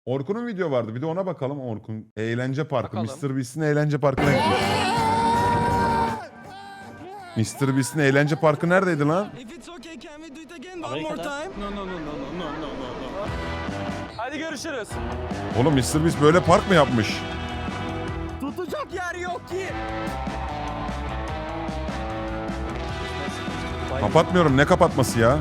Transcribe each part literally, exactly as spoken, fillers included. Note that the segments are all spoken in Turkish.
Orkun'un video vardı. Bir de ona bakalım Orkun. Eğlence Parkı. Bakalım. mister Beast'in Eğlence Parkı'na gitmiş. mister Beast'in Eğlence Parkı neredeydi lan? Amerika'da. No no no no no no no no. Hadi görüşürüz. Oğlum mister Beast böyle park mı yapmış? Tutacak yer yok ki. Kapatmıyorum. Ne kapatması ya?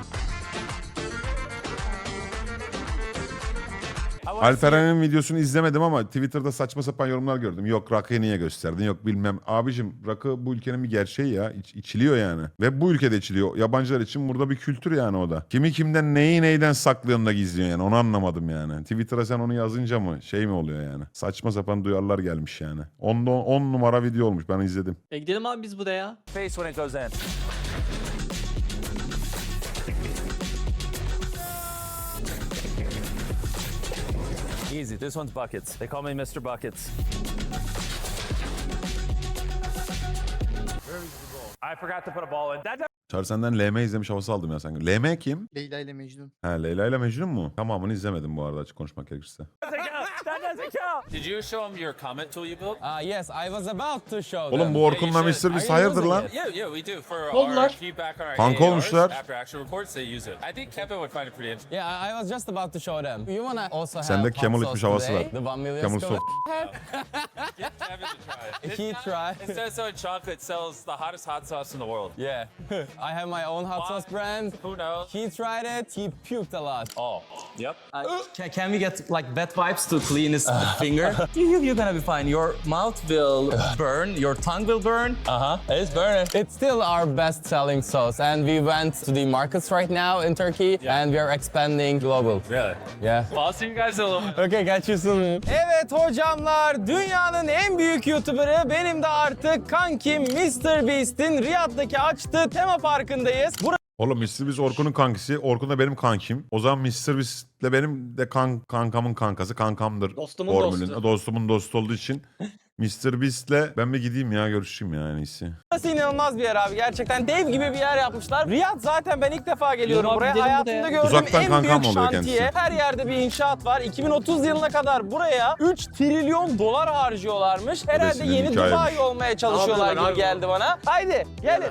Alperen'in videosunu izlemedim ama Twitter'da saçma sapan yorumlar gördüm. Yok rakıyı niye gösterdin? Yok bilmem. Abicim rakı bu ülkenin bir gerçeği ya. İç, içiliyor yani. Ve bu ülkede içiliyor. Yabancılar için burada bir kültür yani o da. Kimi kimden neyi neyden saklıyorsun da gizliyorsun yani. Onu anlamadım yani. Twitter'a sen onu yazınca mı şey mi oluyor yani? Saçma sapan duyarlar gelmiş yani. on numara video olmuş. Ben izledim. E gidelim abi biz buraya. Face when it goes in. Easy. This one's buckets. They call me mister Buckets. I forgot to put a ball in. That Çağrı senden L M izlemiş havası aldım ya sanki. L M kim? Leyla ile Mecnun. Ha Leyla ile Mecnun mu? Tamamını izlemedim bu arada açık konuşmak gerekirse. doesn't count. That doesn't count. Did you show him your comment tool you built? Uh, yes, I was about to show Oğlum them. bu Orkun'la mister Beast hayırdır lan? Yeah, yeah, we do. For Oldular. our feedback on our Kanka A A Rs, olmuşlar. after actual reports, they use it. I think Kevin would find it pretty interesting. Yeah, I I was just about to show them. You wanna also have Sende hot Camel sauce içmiş havası today? var. The one million Camel scoop. soft. Get Kevin to try it. He tried. It says so in chocolate sells the hottest hot sauce in the world. Yeah, I have my own hot Why? sauce brand. Who knows? He tried it. He puked a lot. Oh, yep. Can, can we get like wet wipes to clean his finger? you, you're gonna be fine. Your mouth will burn. Your tongue will burn. Uh huh. It's burning. It's still our best-selling sauce, and we went to the markets right now in Turkey, and we are expanding global. Really? Yeah. Well, I'll see you guys in a little bit. Okay, catch you soon. Evet hocamlar, dünyanın en büyük YouTuber'ı benim de artık kankim mister Beast'in Riyad'daki açtığı tema parkındayız. Burası Oğlum mister Beast Orkun'un kankisi. Orkun da benim kankim. O zaman mister Beast'le benim de kan, kankamın kankası. Kankamdır. Dostumun formülün. dostu. Dostumun dostu olduğu için. mister Beast'le ben bir gideyim ya görüşeyim ya en iyisi. inanılmaz bir yer abi. Gerçekten dev gibi bir yer yapmışlar. Riyad zaten ben ilk defa geliyorum Yürü abi, buraya. gidelim Hayatımda buraya. gördüğüm Uzaktan en kankam büyük oluyor şantiye. kendisi. Her yerde bir inşaat var. iki bin otuz yılına kadar buraya üç trilyon dolar harcıyorlarmış. Herhalde Resmen yeni hikayemiş. Dubai olmaya çalışıyorlar yapıyorlar gibi abi? geldi bana. Haydi gelin.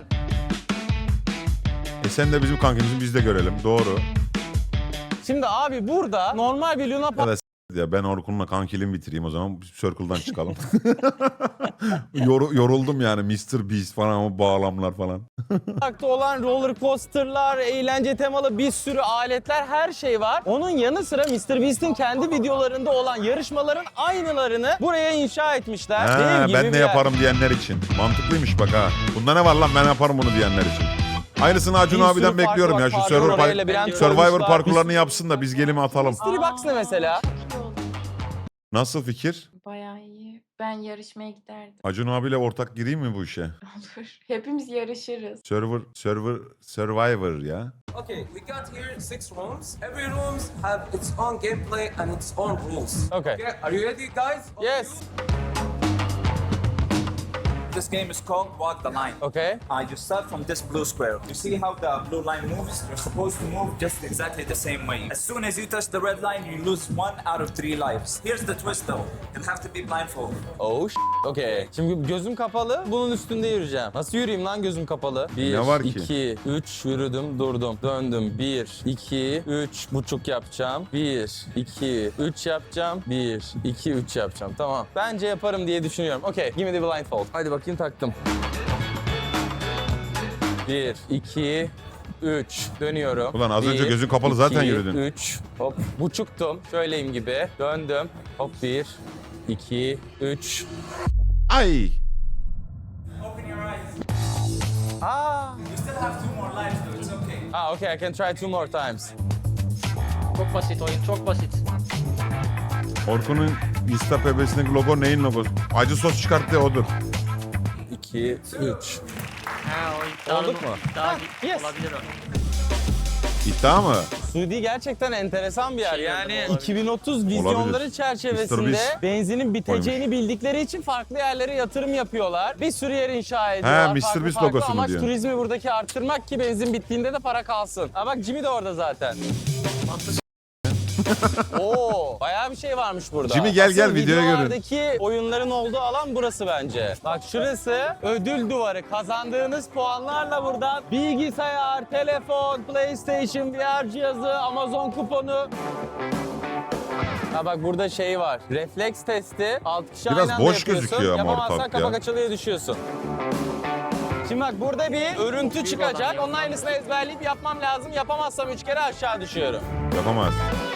E sen de bizim kankimizin biz de görelim. Doğru. Şimdi abi burada normal bir Luna Ya da s- ya ben Orkun'la kankiliğimi bitireyim o zaman. Circle'dan çıkalım. Yor, yoruldum yani mister Beast falan o bağlamlar falan. Parkta olan roller coaster'lar, eğlence temalı bir sürü aletler, her şey var. Onun yanı sıra mister Beast'in kendi videolarında olan yarışmaların aynılarını buraya inşa etmişler. Dev Ha, gibi ben bir de yer. yaparım diyenler için. Mantıklıymış bak ha. Bunda ne var lan ben yaparım bunu diyenler için. Aynısını Acun Bir sürü abiden park bekliyorum var, ya. Şu parkur Survivor, oraya par- labirent Survivor koymuşlar. parkurlarını yapsın da biz gelimi atalım. Mystery Box ne mesela? Nasıl fikir? Bayağı iyi. Ben yarışmaya giderdim. Acun abiyle ortak gireyim mi bu işe? Olur. Hepimiz yarışırız. Server, server, Survivor ya. Okay, we got here six rooms. Every rooms have its own gameplay and its own rules. Okay. Okay, are you ready, guys? Yes. This game is called Walk the Line. Okay. Uh, you start from this blue square. You see how the blue line moves? You're supposed to move just exactly the same way. As soon as you touch the red line, you lose one out of three lives. Here's the twist though. You'll have to be blindfolded. Oh sh- Okay. Şimdi gözüm kapalı, bunun üstünde yürüyeceğim. Nasıl yürüyeyim lan gözüm kapalı? Bir, Ne var ki? iki, üç, yürüdüm, durdum. Döndüm. Bir, iki, üç buçuk yapacağım. Bir, iki, üç yapacağım. Bir, iki, üç yapacağım. Tamam. Bence yaparım diye düşünüyorum. Okay, give me the blindfold. Hadi bakayım taktım. Bir, iki, üç. Dönüyorum. Ulan az önce Bir, gözün kapalı zaten iki, yürüdün. Üç. Hop. Buçuktum. Şöyleyim gibi. Döndüm. Hop bir, iki, üç. Ay! Open your eyes. Aa. You still have two more lives though. It's okay. Ah, okay, I can try two more times. Çok basit oyun, çok basit. Orkun'un Insta P B'sindeki logo neyin logosu? Acı sos çıkarttı odur. iki, üç. Ha, o iddialı Olduk bu. mu? İddia Ha, gi- yes. olabilir o. İddia mı? Suudi gerçekten enteresan bir yer. Şey Yani gördüm, olabilir. iki bin otuz vizyonları Olabilir. mister çerçevesinde Beast benzinin biteceğini bildikleri için farklı yerlere yatırım yapıyorlar. Bir sürü yer inşa ediyorlar. Ha, mister farklı Beast farklı. logosu mu Amaç diyorsun? turizmi buradaki arttırmak ki benzin bittiğinde de para kalsın. Ha bak Jimmy de orada zaten. Oo, bayağı bir şey varmış burada. Jimmy gel, gel, Asıl videoya görün. videolardaki oyunların olduğu alan burası bence. Bak şurası ödül duvarı. Kazandığınız puanlarla buradan bilgisayar, telefon, PlayStation, V R cihazı, Amazon kuponu. Ha bak burada şey var. Refleks testi. altı kişi Biraz aynı anda boş yapıyorsun. gözüküyor ama Yapamazsan ortalık kapak ya. açılıyor düşüyorsun. Şimdi bak burada bir örüntü çıkacak. Onun aynısını ezberleyip yapmam lazım. Yapamazsam üç kere aşağı düşüyorum. Yapamaz.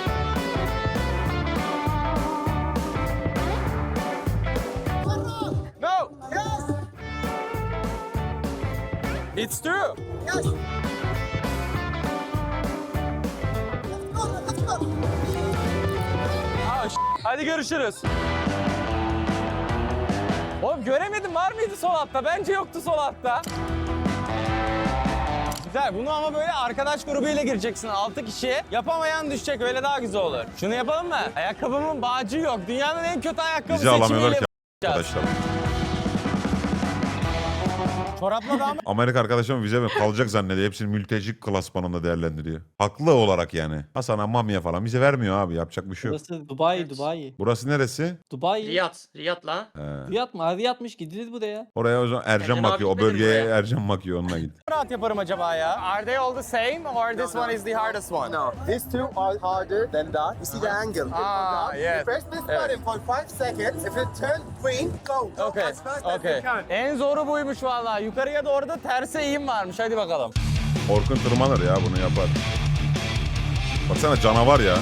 No! Yes! It's true! Yes! Aa, ş- Hadi görüşürüz. Oğlum göremedim, var mıydı sol altta? Bence yoktu sol altta. Güzel, bunu ama böyle arkadaş grubuyla gireceksin altı kişi. Yapamayan düşecek, öyle daha güzel olur. Şunu yapalım mı? Ayakkabımın bağcığı yok. Dünyanın en kötü ayakkabı Bizi alamıyorlar seçimiyle ki arkadaşlar. Çorapla da ama Amerika arkadaşım vize mi kalacak zannediyor. Hepsini mülteci klasmanında değerlendiriyor. Haklı olarak yani. Hasan'a Mami'ye falan vize vermiyor abi. Yapacak bir şey yok. Burası Dubai, Dubai. Burası neresi? Dubai. Riyad. Riyad la. He. Riyad mı? Riyad'mış gidilir buraya. Oraya o zaman Ercan Ercan bakıyor. abi O bölgeye gitmedi buraya. Ercan bakıyor. Onunla git. rahat yaparım acaba ya? Are they all the same or this one is the hardest one? No, these two are harder than that. You see the angle. Ah, yes. Press this Evet. button for five seconds. If it turns green, go. Go Okay, as fast as okay. you can. En zoru buymuş vallahi. Yukarıya doğru da terse eğim varmış. Hadi bakalım. Orkun tırmanır ya bunu yapar. Baksana canavar ya.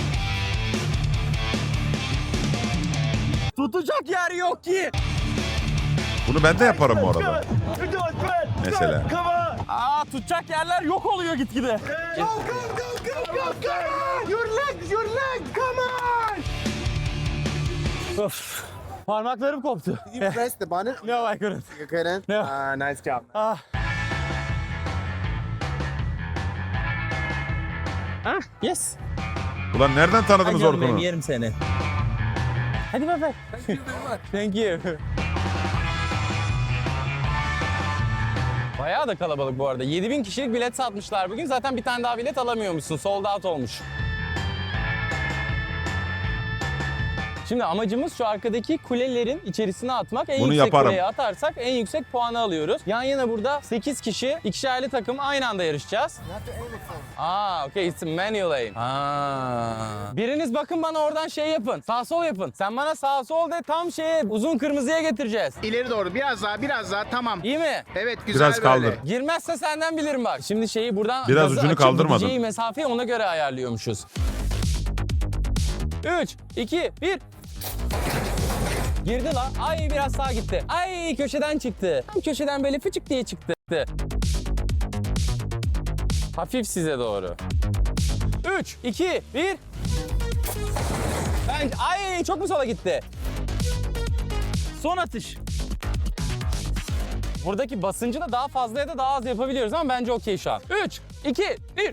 Tutacak yer yok ki. Bunu ben de yaparım bu arada. Mesela. Aa, tutacak yerler yok oluyor gitgide. Go, go, go, go, go, go! Your leg, your leg, come on! Of. Parmaklarım koptu. Did you press the button? No, I couldn't. You couldn't? No. Ah, nice job. Ah. Ah, yes. Ulan nereden tanıdınız Ay canım benim, Orkun'u? yerim seni. Hadi bay bay. Thank you. Bayağı da kalabalık bu arada. yedi bin kişilik bilet satmışlar bugün. Zaten bir tane daha bilet alamıyormuşsun. Sold out olmuş. Şimdi amacımız şu arkadaki kulelerin içerisine atmak. En Bunu yüksek yaparım. kuleye atarsak en yüksek puanı alıyoruz. Yan yana burada sekiz kişi, ikişerli takım aynı anda yarışacağız. Aa, okay, it's a manual aim. Aa. Biriniz bakın bana oradan şey yapın. Sağ sol yapın. Sen bana sağ sol de, tam şeye uzun kırmızıya getireceğiz. İleri doğru, biraz daha, biraz daha, tamam. İyi mi? Evet, güzel Biraz kaldır. böyle. Girmezse senden bilirim bak. Şimdi şeyi buradan Biraz gazı ucunu açıp kaldırmadın. gideceği mesafeyi ona göre ayarlıyormuşuz. üç, iki, bir. Girdi lan. Ay biraz sağa gitti. Ay köşeden çıktı. Tam köşeden böyle fıçık diye çıktı. Hafif size doğru. üç, iki, bir. Ben... Ay çok mu sola gitti? Son atış. Buradaki basıncı da daha fazla ya da daha az yapabiliyoruz ama bence okey şu an. üç, iki, bir.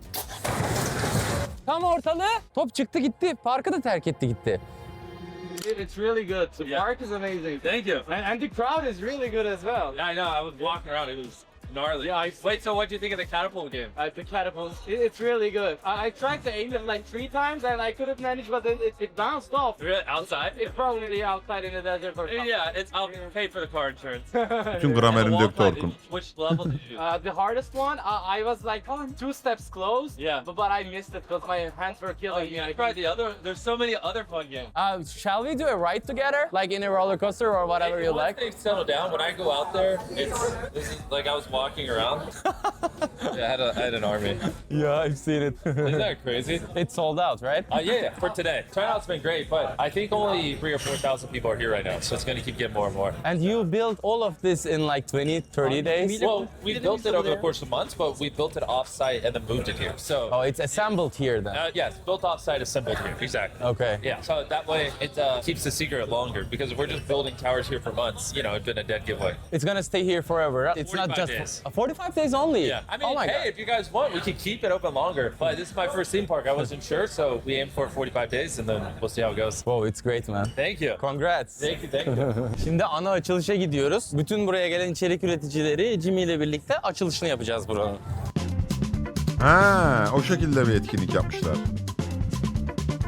Tam ortalığı. Top çıktı gitti. Parkı da terk etti gitti. It's really good. The park is amazing. Thank you. And, and the crowd is really good as well. Yeah, I know. I was walking around. It was gnarly. Yeah, I- Wait, so what do you think of the catapult game? Uh, the catapult, it, it's really good. I, I tried to aim it like three times and I couldn't manage, but then it, it bounced off. Really? Outside? It's probably outside in the desert or something. Yeah, it's. I'll pay for the car insurance. Bütün And gramerini the döktü wall Orkun. fight, Which level did you do? Uh, the hardest one, uh, I was like oh, two steps close. Yeah. But, but I missed it because my hands were Oh, killing me. you I tried the other. There's so many other fun games. Uh, shall we do a ride together? Like in a roller coaster or whatever you Once like? they settle down, when I go out there, it's this is like I was walking around. Yeah, I had, a, I had an army. Yeah, I've seen it. Isn't that crazy? It's sold out, right? Uh, yeah, yeah, for today. Turnout's been great, but I think only three or four thousand people are here right now, so it's gonna keep getting more and more. And you built all of this in like twenty, thirty days? Well, we built it over the course of months, but we built it off-site and then moved it here. So, Oh, it's assembled here then. uh, yes, built off-site, assembled here. Exactly. Okay. Yeah, so that way it uh, keeps the secret longer, because if we're just building towers here for months, you know, it's been a dead giveaway. It's gonna stay here forever. It's not forty-five just days. Uh, forty-five days only. Yeah, I mean, oh my hey, god. if you guys want, we can keep it open longer. But this is my first theme park. I wasn't sure, so we aim for forty-five days, and then we'll see how it goes. Wow, it's great man. Thank you. Congrats. Thank you, thank you. Şimdi ana açılışa gidiyoruz. Bütün buraya gelen içerik üreticileri Jimmy ile birlikte açılışını yapacağız buranın. Ha, o şekilde bir etkinlik yapmışlar.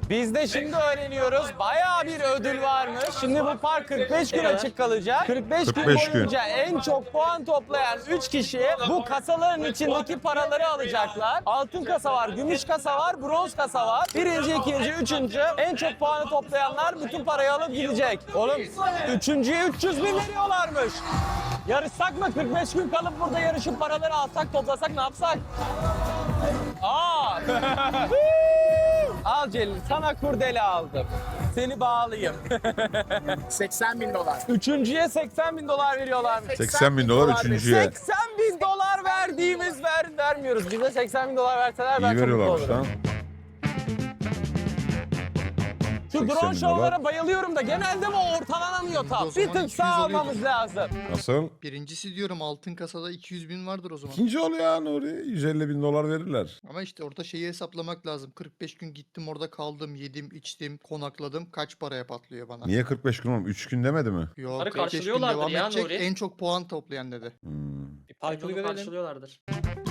Biz de şimdi öğreniyoruz. Bayağı bir ödül varmış. Şimdi bu park kırk beş gün açık kalacak. kırk beş gün kırk beş gün. boyunca en çok puan toplayan üç kişi bu kasaların içindeki paraları alacaklar. Altın kasa var, gümüş kasa var, bronz kasa var. Birinci, ikinci, üçüncü en çok puanı toplayanlar bütün parayı alıp gidecek. Oğlum üçüncüye üç yüz bin veriyorlarmış. Yarışsak mı? kırk beş gün kalıp burada yarışıp paraları alsak, toplasak ne yapsak? Aa! Al Celil, sana kurdele aldım. Seni bağlayayım. seksen bin dolar. Üçüncüye seksen bin dolar veriyorlarmış. seksen bin dolar üçüncüye. seksen bin dolar verdiğimiz ver, vermiyoruz. Bize seksen bin dolar verseler ben İyi çok mutlu veriyorlarmış olurum. lan. Şu seksen drone bin şovlara dolar. bayılıyorum da genelde bu ortalanamıyor tam. O zaman Bir tık iki yüz sağ oluyordur. almamız lazım. Nasıl? Birincisi diyorum altın kasada iki yüz bin vardır o zaman. İkinci ol ya Nuri. yüz elli bin dolar verirler. Ama işte orada şeyi hesaplamak lazım. kırk beş gün gittim orada kaldım, yedim, içtim, konakladım. Kaç paraya patlıyor bana? Niye kırk beş gün oğlum? üç gün demedi mi? Yok, Onları kırk beş gün karşılıyorlardır devam ya edecek, Nuri. en çok puan toplayan dedi. Hmm. Parkını karşılıyorlardır.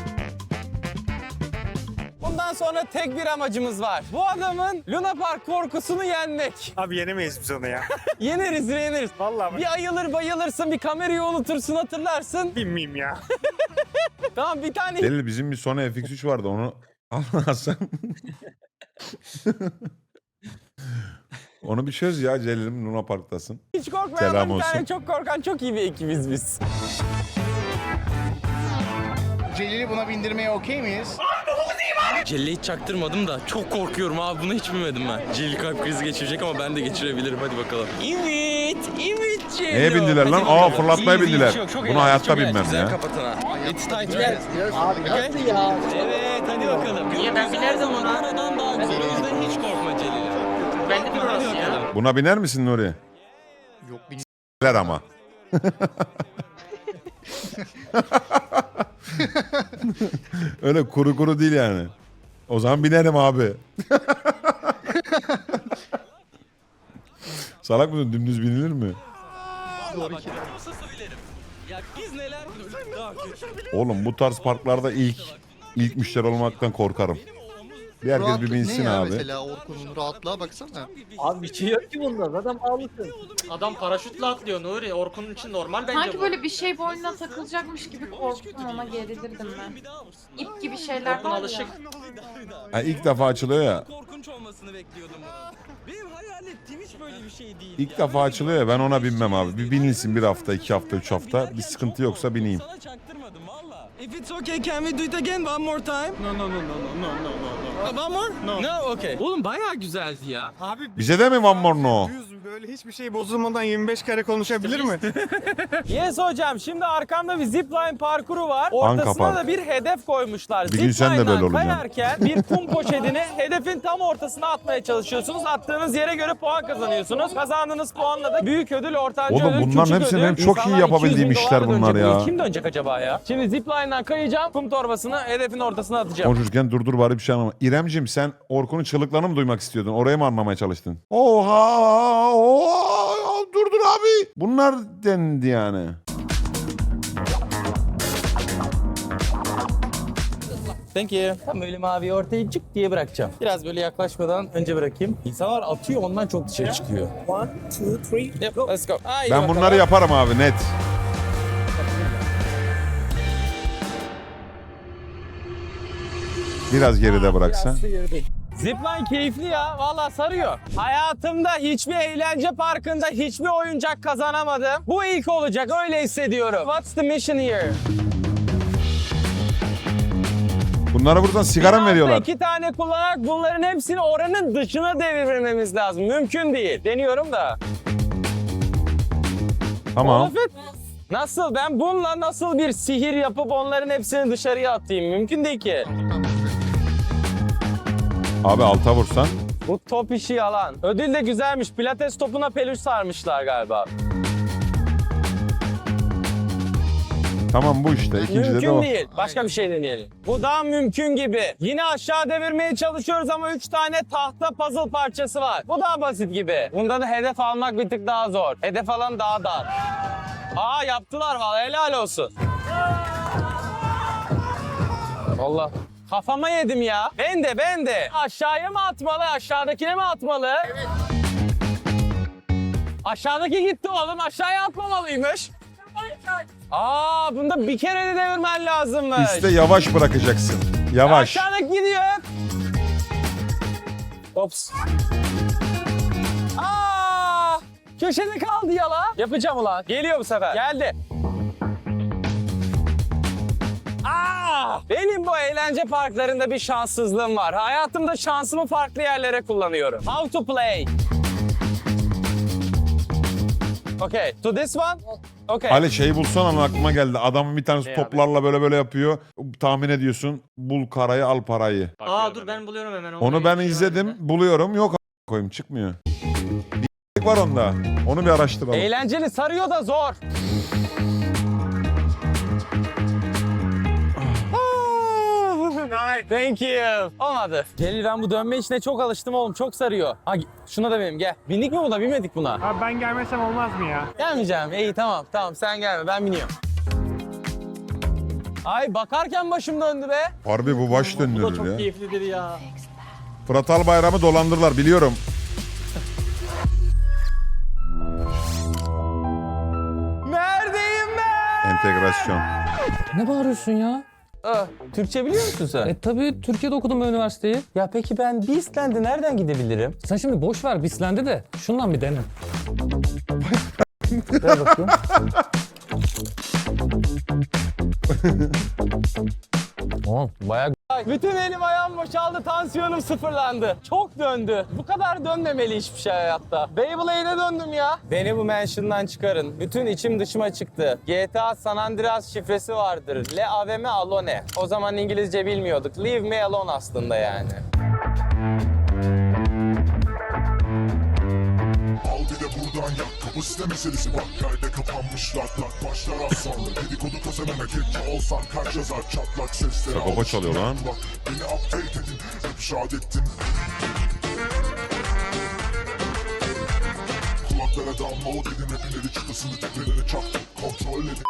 Bundan sonra tek bir amacımız var. Bu adamın Luna Park korkusunu yenmek. Abi yenemeyiz biz onu ya. Yeneriz, yeneriz. Vallahi ben Bir ayılır bayılırsın, bir kamerayı unutursun, hatırlarsın. bilmeyeyim ya. Tamam bir tane Delil bizim bir Sony F X üç vardı onu almazsan. Onu bir çöz ya Celil'im Luna Park'tasın. hiç korkmayan Selam ama bir tane olsun. çok korkan çok iyi bir ekibiz biz. Celil'i buna bindirmeye okey miyiz? Celil'i hiç çaktırmadım da çok korkuyorum abi, bunu hiç bilmedim ben. Celil kalp krizi geçirecek ama ben de geçirebilirim, hadi bakalım. Evet, evet Celil. Neye bindiler lan? Hadi Aa, bakalım. fırlatmaya İyi, iyi, bindiler. çok, çok Bunu eğlenceli, hayatta çok binmem eğlenceli. ya. Güzel kapatın ha. It's tight, yes. Abi nasıl ya? Evet, hadi bakalım. Niye ben Güzel binerdim zaman ona? aradan daha güzel, o yüzden hiç korkma Celil. Ben de Hadi burası ya. bakalım. Buna biner misin Nuri? Yok bin. Ver ama. Öyle kuru kuru değil yani. O zaman binerim abi. Salak mısın? Dümdüz binilir mi? Ya biz neler gördük daha kötü. Oğlum bu tarz parklarda ilk ilk müşteri olmaktan korkarım. Bir herkes bir Rahatlık binsin ne ya abi. mesela Orkun'un rahatlığa baksana. Abi bir şey yok ki bunda. Adam ağlısın. Adam paraşütle atlıyor Nuri. Orkun'un için normal bence Sanki bu. böyle bir şey boynuna takılacakmış gibi korktum, ona gerilirdim ben. İp gibi şeyler Orkun var ya. alışık. Ha, ilk defa açılıyor ya. Korkunç olmasını bekliyordum bunu. Benim hayal ettiğim hiç böyle bir şey değil. İlk defa açılıyor ya, ben ona binmem abi. Bir binilsin bir hafta, iki hafta, üç hafta. Bir sıkıntı yoksa bineyim. Sana çaktırmadım valla. If it's okay, can we do it again one more time? No, no, no, no, no, no, no, no. One more? No. No, okay. Oğlum bayağı güzeldi ya. Abi Bize de mi one more no? düz böyle hiçbir şey bozulmadan yirmi beş kare konuşabilir mi? Yes hocam, şimdi arkamda bir zipline parkuru var. Ortasına park. da bir hedef koymuşlar. Bir gün sen de böyle Zipline'dan olacaksın. kayarken bir kum poşetini hedefin tam ortasına atmaya çalışıyorsunuz. Attığınız yere göre puan kazanıyorsunuz. Kazandığınız puanla da büyük ödül, ortanca Oğlum ödül, bunların küçük hepsini ödül. benim çok iyi İnsanlar yapabildiğim iki yüz bin işler dolarla bunlar dönecek. ya. Bu kim dönecek acaba ya? Şimdi zipline'dan kayacağım. Kum torbasını hedefin ortasına atacağım. Konuşurken durdur bari bir şey anlama. İremcim sen Orkun'un çığlıklarını mı duymak istiyordun? Orayı mı anlamaya çalıştın? Oha! Oha! Durdur abi! Bunlar dendi yani. Thank you. Tam böyle mavi ortaya cık diye bırakacağım. Biraz böyle yaklaşmadan önce bırakayım. İnsanlar atıyor, ondan çok dışarı çıkıyor. One, two, three. Yep, let's go. Haydi Ben bakalım. bunları yaparım abi net. Biraz geride bıraksa. Zipline keyifli ya. Vallahi sarıyor. Hayatımda hiçbir eğlence parkında hiçbir oyuncak kazanamadım. Bu ilk olacak, öyle hissediyorum. What's the mission here? Bunlara buradan sigara mı Bir anda veriyorlar? İki tane kullanarak bunların hepsini oranın dışına devirmemiz lazım. Mümkün değil. Deniyorum da. Tamam. Muhalefet. Nasıl? Ben bununla nasıl bir sihir yapıp onların hepsini dışarıya atayım? Mümkün değil ki. Abi alta vursan. Bu top işi yalan. Ödül de güzelmiş. Pilates topuna peluş sarmışlar galiba. Tamam bu işte. İkincide de Mümkün o. değil. Başka bir şey deneyelim. Bu daha mümkün gibi. Yine aşağı devirmeye çalışıyoruz ama üç tane tahta puzzle parçası var. Bu daha basit gibi. Bunda da hedef almak bir tık daha zor. Hedef alan daha dar. Aa yaptılar vallahi, helal olsun. Allah. Kafama yedim ya. Ben de ben de. Aşağıya mı atmalı, aşağıdakine mi atmalı? Evet. Aşağıdaki gitti oğlum, aşağıya atmamalıymış. Aa, bunda bir kere de devirmen lazımmış. Üste yavaş bırakacaksın. Yavaş. Aşağıdaki gidiyor. Ops. Aa! Köşede kaldı yala. Yapacağım ulan. Geliyor bu sefer. Geldi. Aa! Benim bu eğlence parklarında bir şanssızlığım var. Hayatımda şansımı farklı yerlere kullanıyorum. How to play? Okay, to this one? Okay. Ali şeyi bulsan ama aklıma geldi. Adamın bir tanesi Ne toplarla böyle böyle yapıyor. Tahmin ediyorsun. Bul karayı al parayı. Aa dur ben buluyorum hemen. Onu ben izledim. Buluyorum. Yok a- koyayım çıkmıyor. Bir var onda. Onu bir araştıralım. Eğlenceli, sarıyor da zor. Thank you. Olmadı. Celil ben bu dönme işine çok alıştım oğlum. Çok sarıyor. Ha, şuna da benim gel. Bindik mi buna? Binmedik buna. Abi ben gelmesem olmaz mı ya? Gelmeyeceğim. İyi tamam tamam sen gelme ben biniyorum. Ay bakarken başım döndü be. Harbi bu baş Bu da döndürür çok ya. keyiflidir ya. Fırat Albayram'ı dolandırırlar biliyorum. Neredeyim ben? Entegrasyon. Ne bağırıyorsun ya? Ah, Türkçe biliyor musun sen? E tabii Türkiye'de okudum ben üniversiteyi. Ya peki ben Beastland'e nereden gidebilirim? Sen şimdi boş ver Bisland'i de şundan bir dene. Ver bakayım. Oh, bayağı bütün elim ayağım boşaldı, tansiyonum sıfırlandı. Çok döndü. Bu kadar dönmemeli hiçbir şey hayatta. Beyblade'e döndüm ya. Beni bu mansion'dan çıkarın. Bütün içim dışıma çıktı. G T A San Andreas şifresi vardır. Le aveme alone. O zaman İngilizce bilmiyorduk. Leave me alone aslında yani. Al bir de buradan yak kapasite meselesi bak yerde kapanmışlar lak başlar az sonra dedikodu kazanana kepçe olsan kaç yazar çatlak sesleri Baba çalıyor lan. bak beni update edin hep şad ettin kulaklara damla o dedim hepinleri çıkasını tepelere çaktım kontrol edin.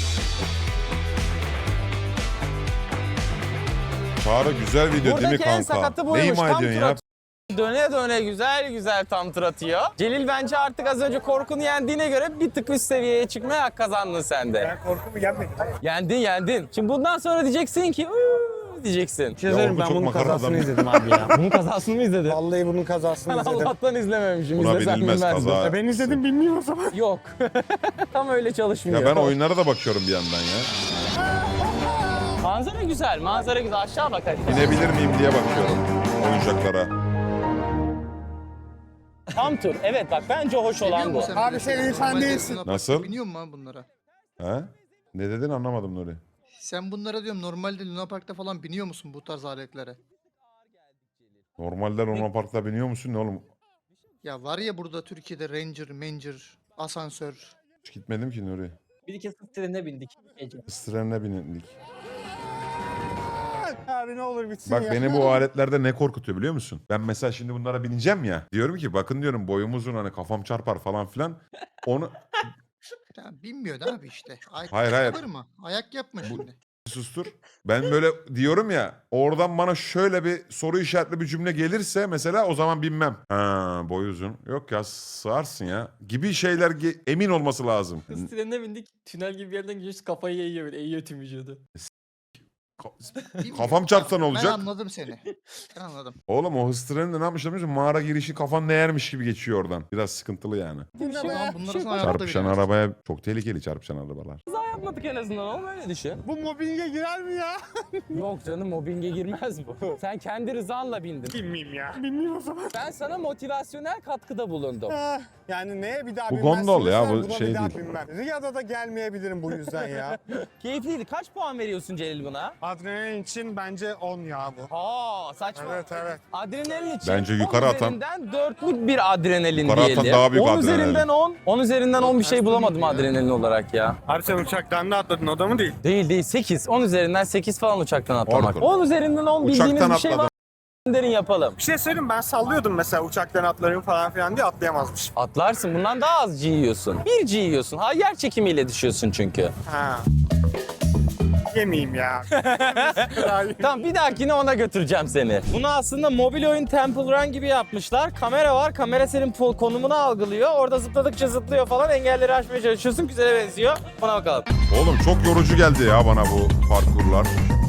Çağrı güzel video değil mi Buradaki en kanka? sakatı Ne buymuş. ima Tam ediyorsun tur ya? atıyor. Döne döne güzel güzel tam tur atıyor. Celil bence artık az önce korkunu yendiğine göre bir tık üst seviyeye çıkmaya hak kazandın sen de. Ben korkumu yenmedim. Yendin yendin. Şimdi bundan sonra diyeceksin ki "Uuu" diyeceksin. Bir şey söyleyeyim, oldu, ben çok bunun makara kazasını adam. izledim abi ya. Bunun kazasını mı izledin? Vallahi bunun kazasını Ben izledim. Allah'tan izlememişim. Buna İzlesem binilmez bilmezdim. kaza. E ben izledim bilmiyorum o zaman. Yok. Tam öyle çalışmıyor. Ya ben oyunlara da bakıyorum bir yandan ya. Manzara güzel, manzara güzel. Aşağı bak hadi. Binebilir miyim diye bakıyorum oyuncaklara. Tam tur. Evet bak bence hoş olan bu. Abi sen insan değilsin. Nasıl? Biniyor musun abi bunlara? He? Ne dedin anlamadım Nuri. Sen bunlara diyorum normalde Luna Park'ta falan biniyor musun bu tarz aletlere? Normalde Luna Park'ta biniyor musun ne oğlum? Ya var ya burada Türkiye'de Ranger, Manger, asansör. Hiç gitmedim ki Nuri. Bir iki sırt trenine bindik gece. Istırenine bindik. Abi ne olur bitsin Bak ya. beni bu aletlerde ne korkutuyor biliyor musun? Ben mesela şimdi bunlara bineceğim ya. Diyorum ki bakın diyorum boyum uzun hani kafam çarpar falan filan. Onu Ya bilmiyor da abi işte. Ayak Hayır, hayır. Yapma. Ayak yapma şimdi. sustur. Ben böyle diyorum ya oradan bana şöyle bir soru işaretli bir cümle gelirse mesela o zaman binmem. Ha boy uzun. Yok ya sığarsın ya. Gibi şeyler ge- emin olması lazım. Sırt trenine bindik. Tünel gibi bir yerden gidiyoruz kafayı eğiyor böyle. Eğiyor tüm vücudu. Bilmiyor. Kafam çarpsa ne Ben olacak? anladım seni. Ben anladım. Oğlum o hız treninde ne yapmışlar biliyor musun? Mağara girişi kafan değermiş gibi geçiyor oradan. Biraz sıkıntılı yani. O zaman bunları sana hayatta Çarpışan bilemezsin. arabaya çok tehlikeli çarpışan arabalar. Kaza yapmadık en azından oğlum öyle düşün. Bu mobbinge girer mi ya? Yok canım mobbinge girmez bu. Sen kendi rızanla bindin. Bilmeyeyim ya. Bilmiyorum o zaman. Ben sana motivasyonel katkıda bulundum. Ah, yani neye bir daha Bu binmezsin gondol ya, sen, bu buna şey bir daha değil. binmem. Riyad'a da gelmeyebilirim bu yüzden ya. Keyifliydi. Kaç puan veriyorsun Celil buna? Adrenalin için bence on ya bu. Aa saçma. Evet evet. Adrenalin için Bence on yukarı atan- üzerinden dörtlük bir adrenalin Yukarı atan diyelim. daha büyük on adrenalin. üzerinden on. on üzerinden on bir şey bulamadım adrenalin olarak ya. Abi sen uçaktan da atladın o da mı değil? Değil değil sekiz. on üzerinden sekiz falan uçaktan atlamak. Orkun. on üzerinden on bildiğiniz Uçaktan bir şey var. atladım. Derin yapalım. Bir şey söyleyeyim ben sallıyordum mesela uçaktan atlarım falan filan diye atlayamazmış. Atlarsın bundan daha az G yiyorsun. Bir G yiyorsun. Ha yer çekimiyle düşüyorsun çünkü. Ha. yemeyeyim ya. Tamam bir dahakine ona götüreceğim seni. Bunu aslında mobil oyun Temple Run gibi yapmışlar. Kamera var. Kamera senin po- konumunu algılıyor. Orada zıpladıkça zıplıyor falan. Engelleri aşmaya çalışıyorsun. Güzele benziyor. Buna bakalım. Oğlum çok yorucu geldi ya bana bu parkurlar.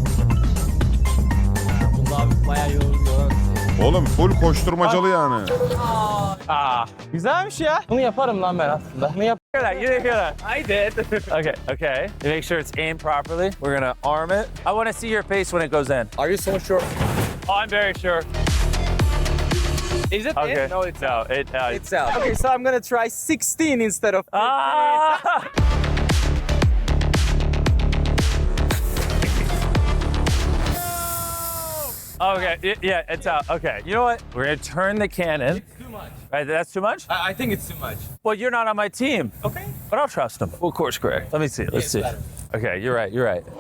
Bunda abi bayağı yorucu. Oğlum full koşturmacalı yani. Aa, güzelmiş ya. Bunu yaparım lan ben aslında. Bunu yap. You didn't hear that. I did. Okay, okay. You make sure it's aimed properly. We're gonna arm it. I want to see your face when it goes in. Are you so sure? Oh, I'm very sure. Is it Okay. in? No, it's No, it. Uh, It's out. Okay, so I'm gonna try sixteen instead of Ah! Okay, y- yeah, it's out. Okay, you know what? We're gonna turn the cannon. It's too much. Right, that's too much? I, I think it's too much. Well, you're not on my team. Okay. But I'll trust him. We'll course correct. Let me see. Let's it's see. better. Okay, you're right. You're right.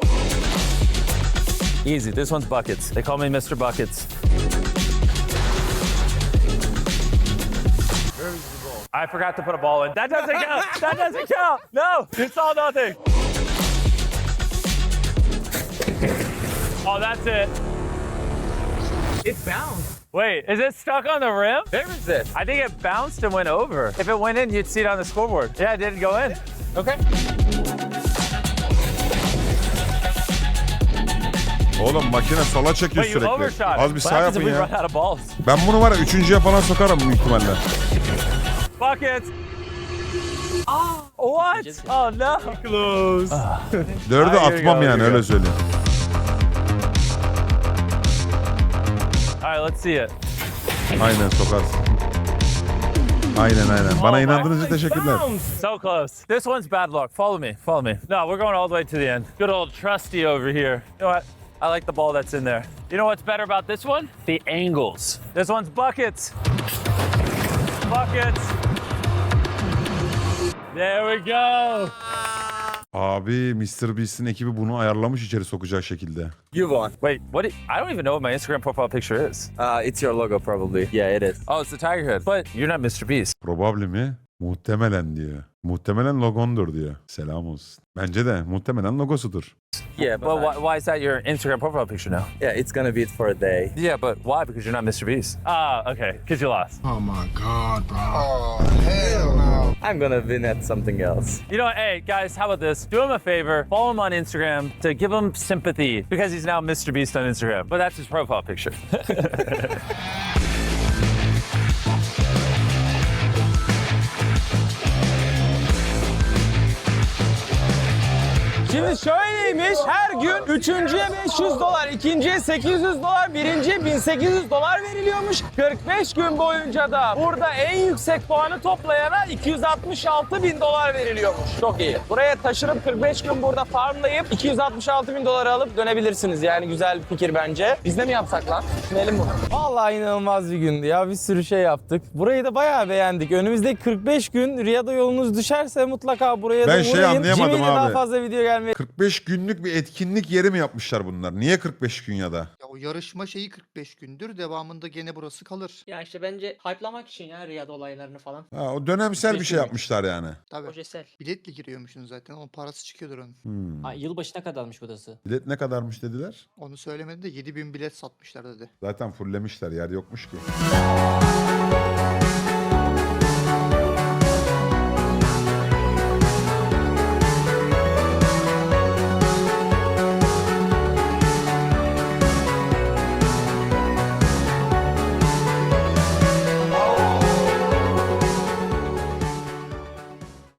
Easy. This one's buckets. They call me Mister Buckets. I forgot to put a ball in. That doesn't count. That doesn't count. No, it's all nothing. Oh, that's it. It bounced. Wait, is it stuck on the rim? Where is it? I think it bounced and went over. If it went in, you'd see it on the scoreboard. Yeah, it didn't go in. Okay. Oğlum makine sola çekiyor Wait, you sürekli. overshot. Az bir What sağ happens if yapın we run ya. out of balls? Ben bunu var ya üçüncüye falan sokarım büyük ihtimalle. Buckets. What? Oh no. Close. Dördü Ah, here you atmam go, yani here you öyle go. söyleyeyim. All right, let's see it. Aynen sokarsın. Aynen aynen. Bana inandığınız için teşekkürler. So close. This one's bad luck. Follow me. Follow me. No, we're going all the way to the end. Good old trusty over here. You know what? I like the ball that's in there. You know what's better about this one? The angles. This one's buckets. Buckets. There we go. Abi mister Beast'in ekibi bunu ayarlamış içeri sokacağı şekilde. You won. Wait, what? Do you, I don't even know what my Instagram profile picture is. Uh, it's your logo probably. Yeah, it is. Oh, it's the tiger head. But you're not Mister Beast. Probably mi? Muhtemelen diyor. Muhtemelen logondur diyor. Selam olsun. Bence de muhtemelen logosudur. Yeah, but, But I- why, why is that your Instagram profile picture now? yeah, it's gonna be it for a day. Yeah, but why? Because you're not Mister Beast. Ah, okay. Because you lost. Oh my god, bro. Oh, hell no. I'm gonna win at something else. You know what? Hey, guys, how about this? Do him a favor. Follow him on Instagram to give him sympathy because he's now Mister Beast on Instagram. But that's his profile picture. Şimdi şöyleymiş, her gün üçüncüye beş yüz dolar, ikinciye sekiz yüz dolar, birinciye bin sekiz yüz dolar veriliyormuş. kırk beş gün boyunca da burada en yüksek puanı toplayana iki yüz altmış altı bin dolar veriliyormuş. Çok iyi. Buraya taşınıp kırk beş gün burada farmlayıp iki yüz altmış altı bin dolar alıp dönebilirsiniz. Yani güzel bir fikir bence. Biz de mi yapsak lan? Düşünelim bunu. Vallahi inanılmaz bir gündü ya. Bir sürü şey yaptık. Burayı da bayağı beğendik. Önümüzdeki kırk beş gün Riyad'a yolunuz düşerse mutlaka buraya Ben da şey uğrayın. anlayamadım Jimmy'yle daha abi. fazla video gelmeye kırk beş günlük bir etkinlik yeri mi yapmışlar bunlar? Niye kırk beş gün ya da? Ya o yarışma şeyi kırk beş gündür. Devamında gene burası kalır. Ya işte bence hype'lamak için ya Riyad olaylarını falan. Ha, o dönemsel bir şey yapmışlar yani. Tabii. Projesel. Biletle giriyormuşsun zaten. Onun parası çıkıyordur onun. Hmm. Ha, yılbaşına kadarmış burası. Bilet ne kadarmış dediler? Onu söylemedi de yedi bin bilet satmışlar dedi. Zaten fulllemişler yer yokmuş ki.